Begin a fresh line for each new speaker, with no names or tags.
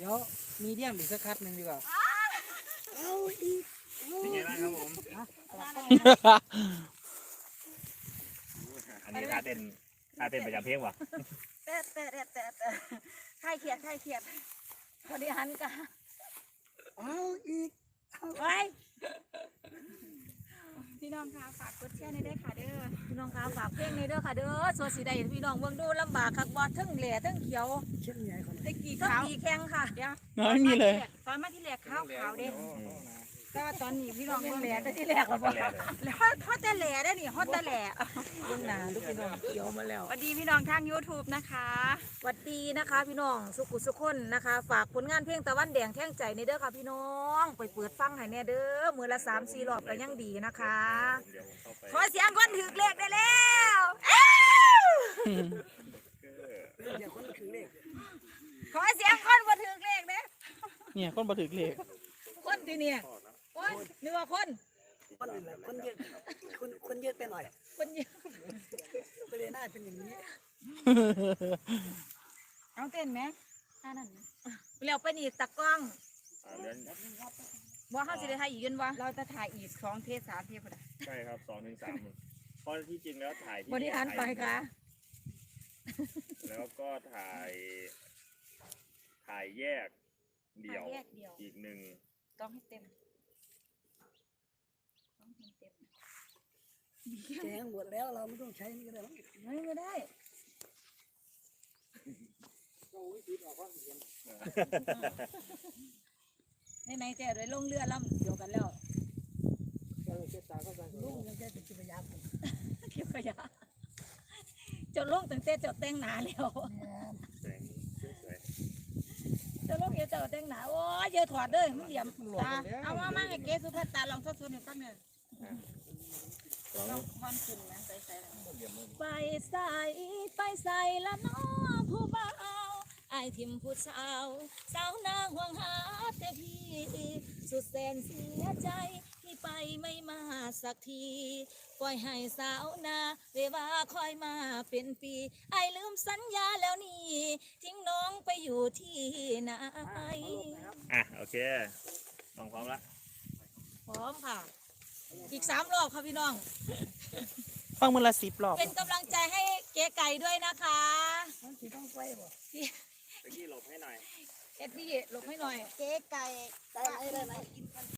ดี๋ยวมีเดียมอีกสักคัดหนึ่งดีกว่าเอาอีก
เป็นไงบ้างครับผมอันนี้ท่าเต้นประจำเพลงวะ
แต่ค่ายเขียดพอดีหันกะ
เอาอีก
ไปพี่น้องคะฝากกดแชร์ในด้วยค่ะเด้อพี่น้องคะฝากเพลงในด้วยค่ะเด้อโซสีได้พี่น้องเบิ่งดูลำบากคักบ่ทั้งแหล่ทั้งเขียว
เช่นไงคน
ตะกี้ก็ตีแข็งค่ะเดี๋ยว
ไม่มีเลย
ตอนมาที่แหลกขาวเด้แต่ว่าตอนนี้พี่น้องเบิ่งแหล่แต่ที่แหลกแล้วบ่แล้วฮอตแต่แหล่ได้นี่ฮอตแต่แหล่เบิ่งหน้าลูกพี่น้องเขียวมาแล้วสวัสดีพี่น้องทาง YouTube นะคะสวัสดีนะคะพี่น้องสุขุสุขคนนะคะฝากผลงานเพลงตะวันแดงแท่งใจในเด้อค่ะพี่น้องไปเปิดฟังให้แน่เด้อมื้อละ 3-4 รอบก็ยังดีนะคะขอเสียงคนถือเลขได้แล้ว
อย่าคนถือเลข
ขอเสียงคนบ่ถือเลขเด้
เนี่ยคนบ่ถึกเลข
คนที่เนี่ยคนนึกว่าคน
คนเยอะคนเยอะไปหน่อย
คนเยอะ
ก็เลยน่าเป็นอย่างนี้
เอาเต้นไหมท่านั้นแล้วไปนี่ตะกล้องบ่เฮาสิได้ถ่ายอีกยันบ่เราจะถ่ายอีก2 เทป 3 เทปพุ่นน่ะ
ใช่ครับ2 ถึง 3เพราะที่จริงแล้วถ่ายที่
บริหารไปค่ะ
แล้วก็ถ่ายแยกเดี่ยวอีก1
ต้องให้เต็ม
แจงหมดแล้วเราไม่ต้องใช้นี่ก็ได้
ไม่ได้ไหนๆแต่ได้ลงเรือลำเดียวกันแล้ว
ลุงยังแค่เป็นกิจยา
เก็บขยะจะลงตั้งแต่จะแต่งหนาแล้วจะลงจะแต่งหนาโอ้ยเยอะถอดเลยมันเหลี่ยมตาเอามาให้เก๋สุภัตตาลองทดสอบหน่อยตั้งเนี่ยความขึ้นนะใส่ไปใส่ละน้อผู้บ่าวไอทิมผู้สาวนาห่วงหาแต่พี่สุดแสนเสียใจที่ไปไม่มาสักทีปล่อยให้สาวนาเวลาคอยมาเป็นปีไอลืมสัญญาแล้วนี่ทิ้งน้องไปอยู่ที่ไหน
โอเคน้องพร้อมละ
พร้อมค่ะอีก3 รอบค่ะพี่น้อง
ฟังมื้อละ10 รอบ
เป็นกำลังใจให้เก๋ไก่ด้วยนะคะ
ต้องไปบ่
พี่หลบให้หน่อย
พี่หลบให้หน่อย
เจ๊ไก่ได้ไหม